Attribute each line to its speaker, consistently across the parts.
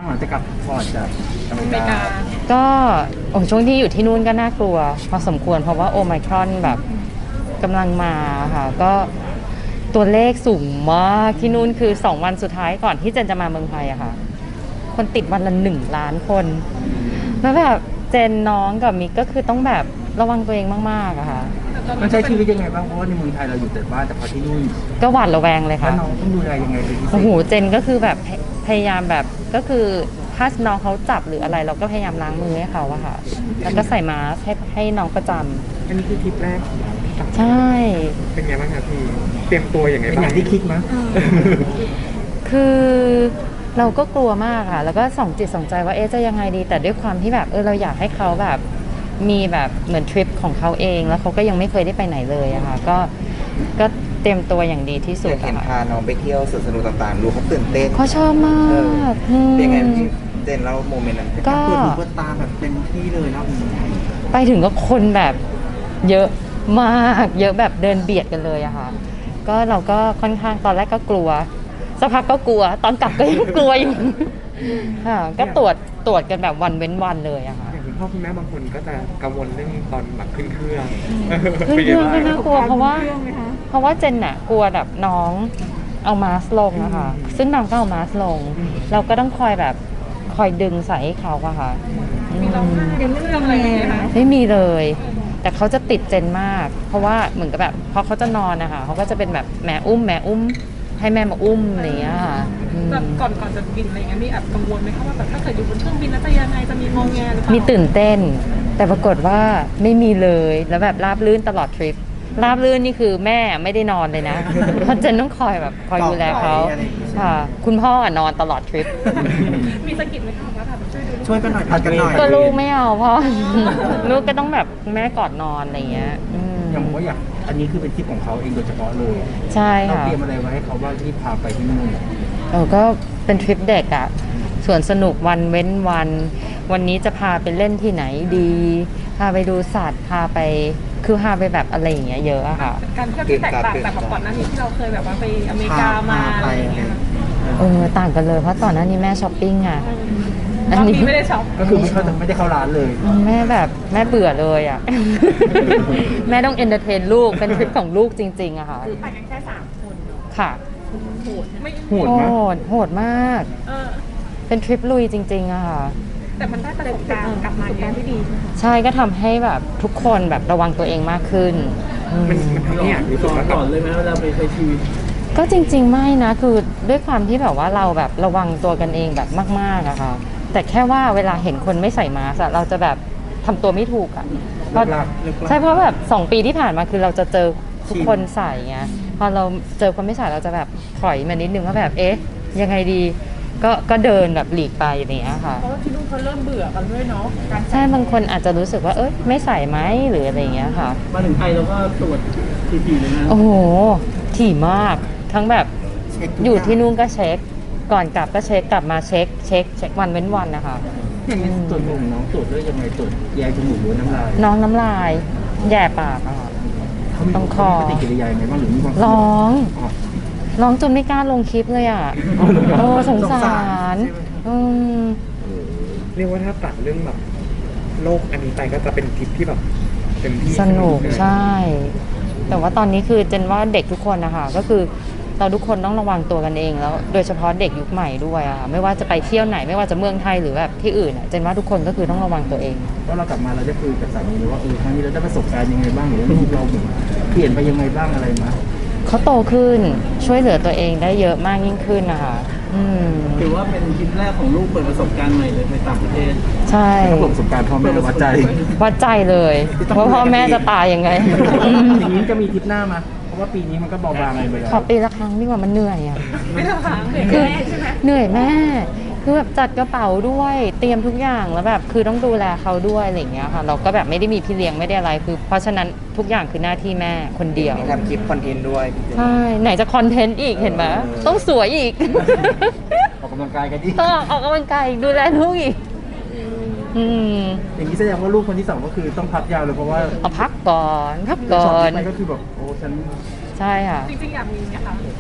Speaker 1: ลังจะกลับพอร์ตจากอเม
Speaker 2: อ
Speaker 1: ริ
Speaker 2: เมริ
Speaker 1: กา
Speaker 2: กา
Speaker 3: ก็ช่วงที่อยู่ที่นู่นก็น่ากลัวพอสมควรเพราะว่าโอไมครอนแบบกำลังมาค่ะก็ตัวเลขสูงมากที่นู่นคือ2วันสุดท้ายก่อนที่เจนจะมาเมืองไทยอะค่ะคนติดวันละ1 ล้านคนแล้วแบบเจนน้องกับมิกก็คือต้องแบบระวังตัวเองมากๆอะค่ะ
Speaker 1: มันใช้ชีวิตยังไงบ้างเพราะว่าในเมืองไทยเราอยู่แต่บ้านแต่พอที่นู่น
Speaker 3: ก็หวาดระแวงเลย
Speaker 1: แล้ว
Speaker 3: ค่ะ
Speaker 1: น้องต้องดูแลยังไงเป็นพิเศ
Speaker 3: โอ้
Speaker 1: ษ
Speaker 3: โหเจนก็คือแบบพยายามแบบก็คือถ้าน้องเขาจับหรืออะไรเราก็พยายามล้างมือให้เขาอะค่ะแล้วก็ใส่มาสก์ให้น้องประจำ
Speaker 4: อันนี้คือทริปแรกของเรา
Speaker 3: ใช่
Speaker 4: เป็นไงบ้างครับพี่ เตรียมตัวอย่างไง
Speaker 1: เป็น
Speaker 4: บ้า
Speaker 1: อง ย่างที่คิดมั้ย
Speaker 3: คือเราก็กลัวมากค่ะแล้วก็ส่องจิตส่องใจว่าจะยังไงดีแต่ด้วยความที่แบบเราอยากให้เขาแบบมีแบบเหมือนทริปของเขาเองแล้วเขาก็ยังไม่เคยได้ไปไหนเลยอะค่ะก็เตรียมตัวอย่างดีที่สุด
Speaker 5: เห็น
Speaker 3: อะ
Speaker 5: พา
Speaker 3: ค่ะ
Speaker 5: น้องไปเที่ยวสวนสนุกต่างๆดูเขาตื่นเต้น
Speaker 3: เขาชอบมากอืม
Speaker 5: เป็นไงพี่เจนเล่าโมเมนต์นั้น
Speaker 3: ก็
Speaker 1: เปิดหูเปิดตาแบบเต็มที่เลยนะ
Speaker 3: ไปถึงก็คนแบบเยอะมากเยอะแบบเดินเบียดกันเลยอะค่ะก็เราก็ค่อนข้างตอนแรกก็กลัวสักพักก็กลัวตอนกลับก็ยังกลัวอยู่ค่ะก็ตรวจกันแบบวันเว้นวันเลยอะค่ะ
Speaker 4: อย่างคุณพ่อคุณแม่บางคนก็จะกังวลเรื่องตอนแบบขึ้นเครื่อง
Speaker 3: ขึ้นเครื่องก็
Speaker 4: ป็นไง
Speaker 3: น่า
Speaker 4: บ้าง
Speaker 3: กลัวเพราะว่าเจนน่ะกลัวแบบน้องเอามาสก์ลงอะค่ะซึ่งน้องก็เอามาสก์ลง เราก็ต้องคอยแบบคอยดึงใส่ให้เขาอะค่ะ
Speaker 2: มีร้องไห้เป็นเรื่องอะไรอย่างเงี้ยคะ
Speaker 3: ไม่มีเลย แต่เขาจะติดเจนมาก เพราะว่าเหมือนกับแบบพอเขาจะนอนนะคะเขาก็จะเป็นแบบแม่อุ้มให้แม่มาอุ้มอะไรอย่างเงี้ยค่ะอืม
Speaker 2: แบบก่อนจะบินอะไรเงี้ยมีแอบกังวลไหมคะว่าแบบถ้าเกิดอยู่บนเครื่องบินแล้วจะยังไงจะมีงอแงหรือเปล่า
Speaker 3: มีตื่นเต้น แต่ปรากฏว่าไม่มีเลยแล้วแบบราบรื่นตลอดทริปราบรื่นนี่คือแม่ไม่ได้นอนเลยนะ เพราะเจนต้องคอยดูแลเขาค่ะคุณพ่ออะนอนตลอดทริป
Speaker 2: มีสะกิดไหมคะว่าแบบช่วยดู
Speaker 1: ช่วยกันหน่อยพัดกันหน่อย
Speaker 3: ก็ลูกไม่เอาพ่อ ลูกก็ต้องแบบแม่กอดนอนอะไรอย่างเงี้ยอืม
Speaker 1: อย่างผมว่าอยากอันนี้คือเป็นทริปของเขาเองโดยเฉพาะเลย
Speaker 3: ใช่
Speaker 1: เรา
Speaker 3: ค่ะ
Speaker 1: เตรียมอะไรไว้ให้เขาบ้างที่พาไปที่นู่น
Speaker 3: ก็เป็นทริปเด็กอะสวนสนุกวันเว้นวัน วันนี้จะพาไปเล่นที่ไหนดี พาไปดูสัตว์พาไปคือพาไปแบบอะไรอย่างเงี้ยเยอะอะค่ะ
Speaker 2: การเที่ยวที่แตกต่างจากแบบก่อนหน้านี้ที่เราเคยแบบว่าไปอเมริกามาอะไรอย่างเงี้ย
Speaker 3: ต่างกันเลยเพราะตอนหน้านี้แม่ช้อปปิ้งอะ
Speaker 2: รอบนี้ไม่ได้ช็อป
Speaker 1: ก็คือไม่ได้เข้าร้านเลย
Speaker 3: แม่แบบแม่เบื่อเลยอะ แม่ต้องเอนเตอร์เทนลูกเป็นทริปของลูกจริงๆอะค่ะ
Speaker 2: คือไปกันแค่3 คนเนาะ
Speaker 3: ค่ะ
Speaker 2: โหดไม่
Speaker 1: โหดมาก
Speaker 3: โหดมาก
Speaker 2: เออ
Speaker 3: เป็นทริปลุยจริงๆอะค่ะ
Speaker 2: แต่มันได้ประสบการณ์กลับมาอย่างที่ดีใช่ไหมคะ
Speaker 3: ใช่ก็ทำให้แบบทุกคนแบบระวังตัวเองมากขึ้นอืม
Speaker 4: มันทำให้อยากรู้สึกว่า
Speaker 1: ก่อนเลยไหมเวลาไปใช้ชีวิต
Speaker 3: ก็จริงๆไม่นะคือด้วยความที่แบบว่าเราแบบระวังตัวกันเองแบบมากๆอะค่ะแต่แค่ว่าเวลาเห็นคนไม่ใส่มาสก์อะเราจะแบบทำตัวไม่ถูกอะเพราะใช่เพราะแบบ2 ปีที่ผ่านมาคือเราจะเจอทุกคนใส่ไงพอเราเจอคนไม่ใส่เราจะแบบถอยมานิดนึงว่าแบบยังไงดีก็เดินแบบหลีกไปอย่างเงี้ยค่ะ
Speaker 2: เพราะว่าที่นู่นเขาเริ่มเบื่อกันด้วยเนาะการ
Speaker 3: ใช่บางคนอาจจะรู้สึกว่าไม่ใส่ไหมหรืออะไรอย่างเงี้ยค่ะ
Speaker 1: มาถึงไทยเราก็ตรวจทีๆเลยนะ
Speaker 3: โอ้โหถี่มากทั้งแบบอยู่ที่นู่นก็เช็ค ก่อนกลับก็เช็คกลับมาเช็ควันเว้นวันนะคะ
Speaker 1: อย่างนี้ตรวจของน้องตรวจด้วยยังไงตรวจแยงจมูกหรือน้ำลาย
Speaker 3: น้องน้ำลายแย่ปากอะค่ะ
Speaker 1: เขามี
Speaker 3: ต้องคอ
Speaker 1: ปฏิกิริยายังไงบ้างหรือมีความ
Speaker 3: ร้อง
Speaker 1: อ๋อ
Speaker 3: ร้องจนไม่กล้าลงคลิปเลยอ่ะ
Speaker 1: อ๋อเหรอครับ
Speaker 3: โอ้สงสา
Speaker 1: สงสาร
Speaker 3: รอืม
Speaker 4: เรียกว่าถ้าตัดเรื่องแบบโลกอันนี้ไปก็จะเป็นทริปที่แบบเต็มที่
Speaker 3: สนุก
Speaker 4: ไหม
Speaker 3: ใช่ แต่ว่าตอนนี้คือเจนว่าเด็กทุกคนนะคะก็คือเราทุกคนต้องระวังตัวกันเองแล้ว โดยเฉพาะเด็กยุคใหม่ด้วยอะค่ะไม่ว่าจะไปเที่ยวไหนไม่ว่าจะเมืองไทยหรือแบบที่อื่นอะเจนว่าทุกคนก็คือต้องระวังตัวเอง
Speaker 1: เพราะเรากลับมาเราได้คุยกับสามีว่าครั้งนี้เราได้ประสบการณ์ยังไงบ้างหรือว่าลูกเราเหมือนเปลี่ยนไปยังไงบ้างอะไรมา
Speaker 3: เขาโตขึ้นช่วยเหลือตัวเองได้เยอะมากยิ่งขึ้นนะคะอืม
Speaker 6: ถือว่าเป็นทริปแรกของลูกเปิดประสบการณ์ใหม่เลยในต่างประเทศ
Speaker 3: ใช่
Speaker 1: ถ้าประสบการณ์พ่อแม่เราวัดใจ
Speaker 3: วัดใจเลยว่าพ่อแม่จะตายยังไง
Speaker 1: อย่างนี้จะมีทริปหน้ามาเพราะว่าปีนี้มันก็เบาบางไปแล้ว
Speaker 3: ขอปีละครั้งดีกว่ามันเหนื่อยอ่ะ
Speaker 2: ไม่ได้ค้างเลย
Speaker 3: คือ
Speaker 2: แม่ใช่ไหม
Speaker 3: เหนื่อยแม่ คือแบบจัดกระเป๋าด้วยเตรียมทุกอย่างแล้วแบบคือต้องดูแลเขาด้วยอะไรอย่างเงี้ยค่ะ เราก็แบบไม่ได้มีพี่เลี้ยงไม่ได้อะไรคือ เพราะฉะนั้นทุกอย่างคือหน้าที่แม่คนเดียว
Speaker 5: มีทำคลิปคอนเทนต์ด้วยพี่เจน
Speaker 3: ใช่ไหนจะคอนเทนต์อีกเห็นไหมต้องสวยอีก
Speaker 1: ออกกำลังกายกันดิ
Speaker 3: ต้องออกกำลังกายอีกดูแลลูกอีกอืม
Speaker 1: อย่างนี้แสดงว่าลูกคนที่สองก็คือต้องพักยาวเลยเพราะว่า
Speaker 3: เอาพักก่อนพักก่อ
Speaker 1: ช็อต
Speaker 3: น
Speaker 1: ที่ไปก็คือแบบโอ้ฉัน
Speaker 3: ใช่ค่ะ
Speaker 2: จริงๆอยากมีไหมคะ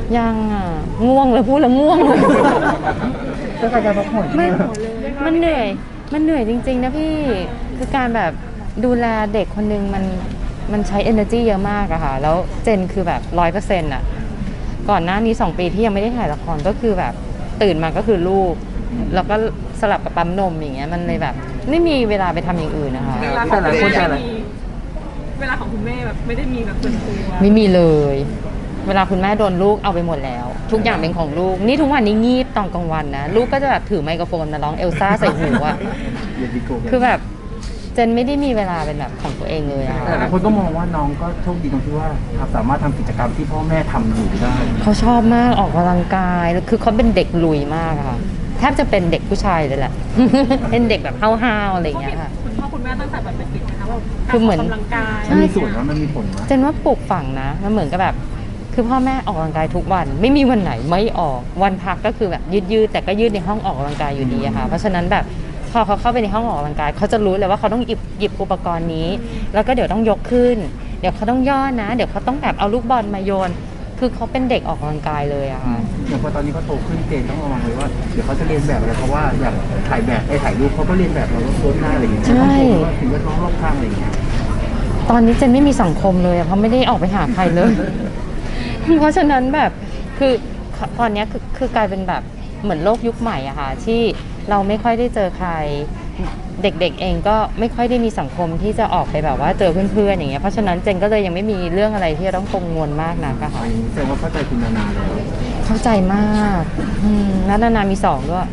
Speaker 3: ยังอ่ะง่วงเลยพูดแล้วง่วงเลย
Speaker 1: ก็การพักผ่อน
Speaker 3: ไม่มันเหนื่อยจริงๆนะพี่คือการแบบดูแลเด็กคนนึงมันใช้ energy เยอะมากอะค่ะแล้วเจนคือแบบ100%อะก่อนหน้านี้2 ปีที่ยังไม่ได้ถ่ายละครก็คือแบบตื่นมาก็คือลูกแล้วก็สลับกับปั๊มนมอย่างเงี้ยมันเลยแบบไม่มีเวลาไปทำอย่างอื่นนะคะ
Speaker 2: เวลาของคุณแม่ไม่มีเวลาของคุณแม่แบบไม่ได้มีแบบส่วนตัว
Speaker 3: ไม่มีเลย เวลาคุณแม่โดนลูกเอาไปหมดแล้ว ทุกอย่างเป็นของลูกนี่ทุกวันนี้งีบตอนกลางวันนะลูกก็จะแบบถือไมโครโฟนมาร้องเอลซ่าใส่หูอะ
Speaker 1: อย่าดีโกง
Speaker 3: คือแบบเจนไม่ได้มีเวลาเป็นแบบของตัวเองเลยอะ
Speaker 1: แต่หลายคนก็มองว่าน้องก็โชคดีตรงที่ว่าสามารถทำกิจกรรมที่พ่อแม่ทำอยู่ได้
Speaker 3: เขาชอบมากออกกำลังกายคือเขาเป็นเด็กลุยมากอะค่ะแทบจะเป็นเด็กผู้ชายเลยแหละ เป็นเด็กแบบห้าวๆอะไรอย่างเงี้ยค่ะ
Speaker 2: คุณพ่อคุณแม่ตั้งแต่แบบเด็กๆนะคะว่า
Speaker 3: คือเหมือน
Speaker 2: กำลังกาย
Speaker 1: มันมีส่วนว่ามันมีผลไหม
Speaker 3: เจนว่าปลูกฝังนะมันเหมือนกับแบบคือพ่อแม่ออกกำลังกายทุกวัน ไม่มีวันไหนไม่ออกวันพักก็คือแบบยืดแต่ก็ยืดในห้องออกกำลังกายอยู่ดีอะค่ะเพราะฉะนั้นแบบพอเขาเข้าไปในห้องออกกำลังกายเขาจะรู้เลยว่าเขาต้องหยิบอุปกรณ์นี้ แล้วก็เดี๋ยวต้องยกขึ้น เดี๋ยวเขาต้องย่อนะ เดี๋ยวเขาต้องแบบเอาลูกบอลมาโยน คือเขาเป็นเด็กออกกำลังกายเลยอะค่ะ
Speaker 1: อย่างพอตอนนี้เขาโตขึ้นเจนต้องระวังเลยว่าเดี๋ยวเขาจะเรียนแบบอะไรเพราะว่าอย่างถ่ายแบบถ่ายรูปเขาก็เรียนแบบเราต้องโพสหน้าอะไรอย่างเงี้ย
Speaker 3: ใช่
Speaker 1: ต้องโพสว่าถึงว่าน้องรอบข้างอะไรอย่างเงี้ย
Speaker 3: ตอนนี้เจนไม่มีสังคมเลยอะเพราะไม่ได้ออกไปหาใครเลย เพราะฉะนั้นแบบคือตอนนี้คือกลายเป็นแบบเหมือนโลกยุคใหม่อะค่ะที่เราไม่ค่อยได้เจอใครเด็กๆเองก็ไม่ค่อยได้มีสังคมที่จะออกไปแบบว่าเจอเพื่อนๆอย่างเงี้ยเพราะฉะนั้นเจนก็เลยยังไม่มีเรื่องอะไรที่จะต้องกังวลมากนักอะค่ะ
Speaker 1: แสดงว่าเข้าใจคุณนานาแล้ว
Speaker 3: เข้าใจมากแล้วนามี2ด้วย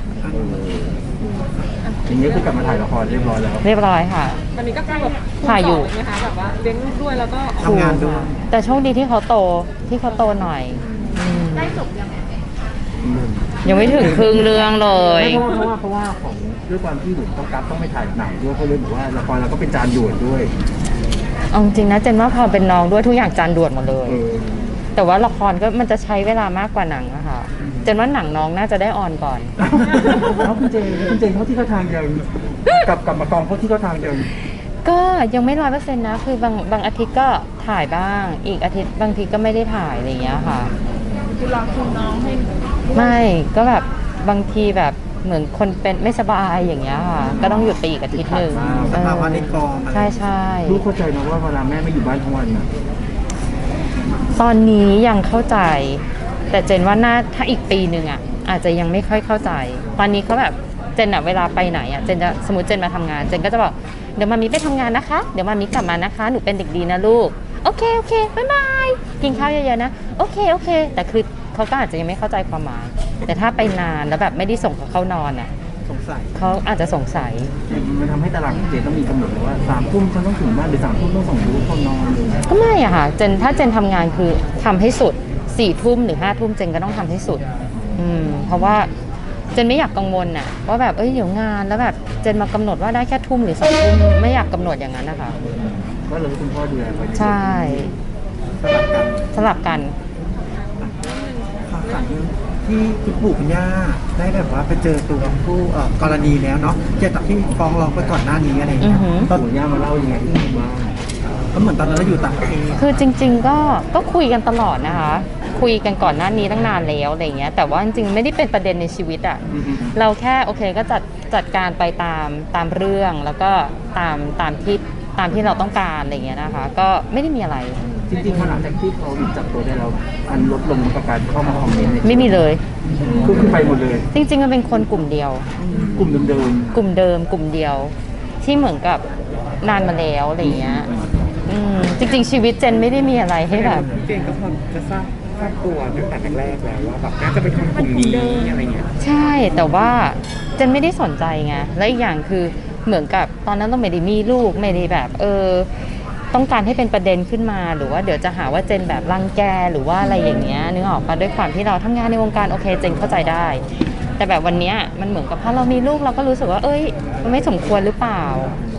Speaker 1: อย่างเงี้ยคือกลับมาถ่ายละครเรียบร้อยแล้ว
Speaker 3: เรียบร้อยค่ะ
Speaker 2: วันนี้ก็คือแบบ
Speaker 3: ถ่ายอยู่
Speaker 2: ไหมคะแบบว่าเลี้ยงลูกด้วยแล้วก็
Speaker 5: ทำงานด้วย
Speaker 3: แต่โชคดีที่เขาโตหน่อยได้จบยังไม่ถึงครึ่งเรื่องเลย
Speaker 1: ไม่เพราะว่าของด้วยความที่หนูต้องกลับต้องไปถ่ายหนังด้วยเขาเลยบอกว่าละครเราก็เป็นจานด่วนด้วย
Speaker 3: เอาจริงนะเจนว่าพอเป็นน้องด้วยทุกอย่างจานด่วนหมดเลย แต่ว่าละครก็มันจะใช้เวลามากกว่าหนังอะค่ะเจนว่าหนังน้องน่าจะได้ออนก่อน
Speaker 1: แล้วคุณเจนเขาที่เขาทางเดียวกับมากองเขาที่เขาทางเดียว
Speaker 3: ก็ยังไม่100%นะคือบางอาทิตย์ก็ถ่ายบ้าง อีกอาทิตย์บางทีก็ไม่ได้ถ่ายอะไรอย่างเงี้ยค่ะ
Speaker 2: คือรอคุณน้องให้
Speaker 3: ไม่ก็แบบบางทีแบบเหมือนคนเป็นไม่สบายอย่างเงี้ยค่ะก็ต้องหยุดไปอีกอาทิตย์หนึ่ง
Speaker 5: สภาวะในกองอะไร
Speaker 3: ใช่
Speaker 1: ลูกเข้าใจนะว่าเวลาแม่ไม่อยู่บ้านทั้งวันนะ
Speaker 3: ตอนนี้ยังเข้าใจ แต่เจนว่าถ้าอีกปีหนึ่งอ่ะอาจจะยังไม่ค่อยเข้าใจ ตอนนี้เขาแบบเจนอะเวลาไปไหนอ่ะเจนจะสมมติเจนมาทำงานเจนก็จะบอกเดี๋ยวมามีไปทำงานนะคะเดี๋ยวมามีกลับมานะคะหนูเป็นเด็กดีนะลูกโอเคบ๊ายบายกินข้าวเยอะๆนะโอเคแต่คือเขาก็อาจจะยังไม่เข้าใจความหมาย แต่ถ้าไปนานแล้วแบบไม่ได้ส่งเขาเข้านอนอ่ะ
Speaker 5: สงสัย
Speaker 3: เขาอาจจะสงสัย
Speaker 1: มันทำให้ตารางเจนต้องมีกำหนดเลยว่า3 ทุ่มฉันต้องถึงบ้านหรือ3 ทุ่มต้องส่งลูกเข้านอนเลย
Speaker 3: ก็ไม่อะค่ะถ้าเจนทำงานคือทำให้สุด4 ทุ่มหรือ5 ทุ่มเจนก็ต้องทำให้สุดเพราะว่าเจนไม่อยากกังวลน่ะว่าแบบเดี๋ยวงานแล้วแบบเจนมากำหนดว่าได้แค่ทุ่มหรือ2 ทุ่มไม่อยากกำหนดอย่างนั้นนะคะ
Speaker 1: ก็เลยคุณพ่อดูแลไป
Speaker 3: ใช่สลับกัน
Speaker 5: ข่าวสารที่คุณปู่คุณย่าได้แบบว่าไปเจอตัวผู้กรณีแล้วเนาะเกี่ยวกับที่ฟ้องร้องไปก่อนหน้านี้อะไรอย่างเงี้ย
Speaker 3: อือหือ
Speaker 5: ตอน
Speaker 1: ปู่ย่ามาเล่ายังไงที่บ้าน
Speaker 5: ก็เหมือนตอนนั้นเราอยู่ต่างประเทศ
Speaker 3: คือจริงๆก็คุยกันตลอดนะคะ คุยกันก่อนหน้านี้ตั้งนานแล้วอะไรเงี้ยแต่ว่าจริงๆไม่ได้เป็นประเด็นในชีวิตอะเราแค่โอเคก็จัดการไปตามเรื่องแล้วก็ตามที่เราต้องการอะไรเงี้ยนะคะ ก็ไม่ได้มีอะไร
Speaker 1: จริงๆพอหลังจากที่เขาจับตัวได้แล้วมันลดลงกับการเข้ามาคอมเมนต์
Speaker 3: ไม่มีเลย
Speaker 1: คือไปหมดเลย
Speaker 3: จริงๆมันเป็นคนกลุ่มเดียว
Speaker 1: กลุ่มเดิม
Speaker 3: กลุ่มเดิมกลุ่มเดียว ที่เหมือนกับนานมาแล้วอะไรเงี้ยจริงๆชีวิตเจนไม่ได้มีอะไรให้แบบ
Speaker 4: เจนก็พอจะทราบตัวตั้งแต่แรกๆแล้วว่าแบบน่าจะเป็นคนกลุ่มนี้อะไรเงี้ย
Speaker 3: ใช่แต่ว่าเจนไม่ได้สนใจไงและอีกอย่างคือเหมือนกับตอนนั้นต้องไม่ได้มีลูกไม่ได้แบบต้องการให้เป็นประเด็นขึ้นมาหรือว่าเดี๋ยวจะหาว่าเจนแบบรังแกหรือว่าอะไรอย่างเงี้ยนึกออกปะด้วยความที่เราทำงานในวงการโอเคเจนเข้าใจได้ แต่แบบวันเนี้ยมันเหมือนกับพอเรามีลูกเราก็รู้สึกว่ามันไม่สมควรหรือเปล่า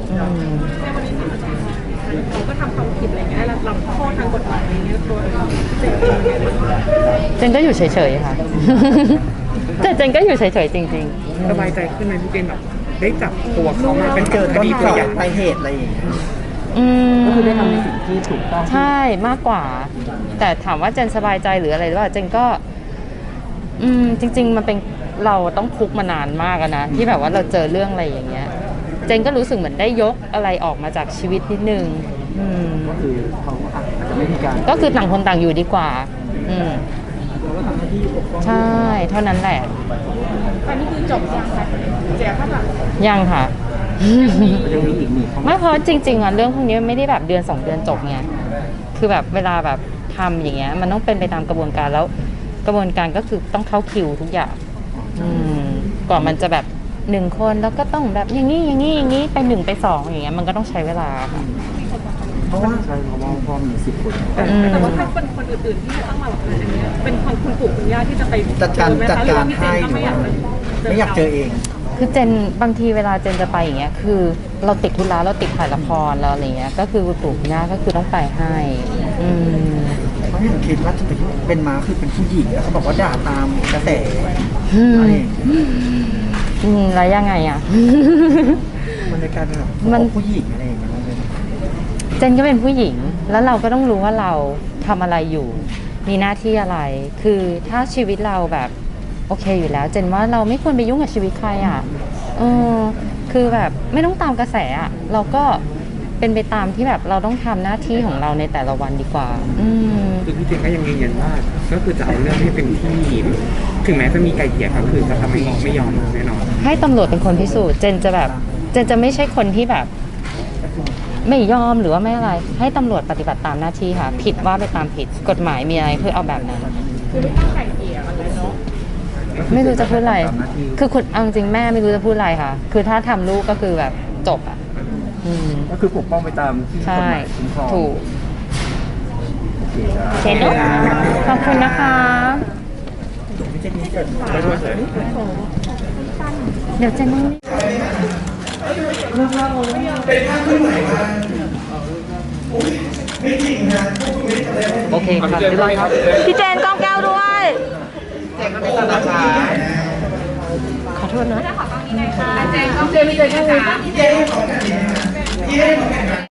Speaker 2: เขาก็ทำความผิดอะไรเงี้ยแล้วรับโทษทางกฎหมายอะไรเงี้ยตัวเจนเองเนี่ย
Speaker 3: เจนก็อยู่เฉยๆค่ะ แต่เจนก็อยู่เฉยๆจริง
Speaker 4: สบายใจขึ้นไหมพี่เจนแบบได้จับตัวเขามาเป็น
Speaker 5: เจอต้น
Speaker 4: คดี
Speaker 5: ต
Speaker 4: ตัว
Speaker 5: อ
Speaker 4: อย่าง
Speaker 5: ปลายเหตุอะไรอย่างเงี้ย
Speaker 3: ๆ
Speaker 1: ก็คือได้ทำในสิ่งที่ถูกต้อง
Speaker 3: ใช่มากกว่า แต่ถามว่าเจนสบายใจหรืออะไรหรือเปล่าเจนก็ จริง ๆ มันเป็นเราต้องทุกข์มานานมากอะนะที่แบบว่าเราเจอเรื่องอะไรอย่างเงี้ย เจนก็รู้สึกเหมือนได้ยกอะไรออกมาจากชีวิตนิดนึง
Speaker 1: ก็คือเขาอาจจะไม่มีการ
Speaker 3: ก็คือต่างคนต่างอยู่ดีกว่า
Speaker 1: เราก็ทำหน้าที่ปกป้อง
Speaker 3: ใช่ เท่านั้นแหละ
Speaker 2: ตอนนี้คือจบยังคะแจกข้างหลัง
Speaker 3: ยังค่ะ
Speaker 1: ยังมีอีกหนึ่ง
Speaker 3: ไม่เพราะจริงๆอ่ะเรื่องพวกนี้ไม่ได้แบบเดือน2 เดือนจบไงคือแบบเวลาแบบทำอย่างเงี้ยมันต้องเป็นไปตามกระบวนการแล้วกระบวนการก็คือต้องเข้าคิวทุกอย่างก่อนมันจะแบบ1 คนแล้วก็ต้องแบบอย่างนี้ไป1 ไป 2อย่างเงี้ยมันก็ต้องใช้เวลาค่ะ
Speaker 1: เพราะว่าใช่เพราะว่าพ่อมี10 คน
Speaker 2: แต่ว่าถ้าเป็นคนอื่นๆที่ไม่ต้องมาหรอกนะอันเนี้ยเป็นของคุณปู่คุณย่าที่จะไป
Speaker 5: จัดการ
Speaker 2: เจอไหม
Speaker 5: จัด
Speaker 2: คะหรือ
Speaker 5: การ
Speaker 2: ว่าพี่เจ
Speaker 5: ให้
Speaker 2: นก็
Speaker 5: หรื
Speaker 2: ไม่
Speaker 5: อ
Speaker 2: อยา
Speaker 5: ว่าก ไม่อยากเจอเอง
Speaker 3: คือเจนบางทีเวลาเจนจะไปอย่างเงี้ยคือเราติดธุระเราติดถ่ายละครเราอะไรเงี้ยก็คือคุณปู่คุณย่าก็คือต้องไปให้
Speaker 5: เพราะอย่างคิดว่าจะเป็นม้าคือเป็นผู้หญิงแล้วเขาบอกว่าด่าตามกระแส
Speaker 3: แล้วยังไงอ่ะ
Speaker 5: มันในการแบบ
Speaker 3: มัน
Speaker 5: ผู้หญิงอะไรอย่างเงี้ย
Speaker 3: เจนก็เป็นผู้หญิงแล้วเราก็ต้องรู้ว่าเราทำอะไรอยู่ มีหน้าที่อะไร คือถ้าชีวิตเราแบบโอเคอยู่แล้ว เจนว่าเราไม่ควรไปยุ่งกับชีวิตใครอ่ะคือแบบไม่ต้องตามกระแสอ่ะเราก็เป็นไปตามที่แบบเราต้องทำหน้าที่ของเราในแต่ละวันดีกว่า
Speaker 4: คือพี่เจนก็ยังยืนยันว่าก็คือจะเอาเรื่องให้เป็นที่ถึงแม้จะมีไกลเกลี่ยก็คือจะทำไม่ยอมแน่นอน
Speaker 3: ให้ตำรวจเป็นคนพิสูจน์เจนจะไม่ใช่คนที่แบบไม่ยอมหรือว่าไม่อะไรให้ตำรวจปฏิบัติตามหน้าที่ค่ะผิดว่าไปตามผิดกฎหมายมีอะไรคือเอาแบบนั้น
Speaker 2: คือไม่ต้องไก่เกลี่ยกันเลยเนาะ
Speaker 3: ไม่รู้จะพูดอะไรคือคุณเอาจริงแม่ไม่รู้จะพูดอะไรค่ะคือถ้าทำลูกก็คือแบบจบอ่ะ
Speaker 1: ก็คือปกป้องไปตามที่กฎหมายคุ้มครอง
Speaker 3: ถูกเช่นขอบคุณนะคะเดี๋ยวเจนนี่โอเคครับเรียบร้อยครับพี่เจนกล้องแก้วด้วยขอโทษนะขอกล้องนี้หน่อยค่ะเจนกล้องเจนไม่เจนค่ะ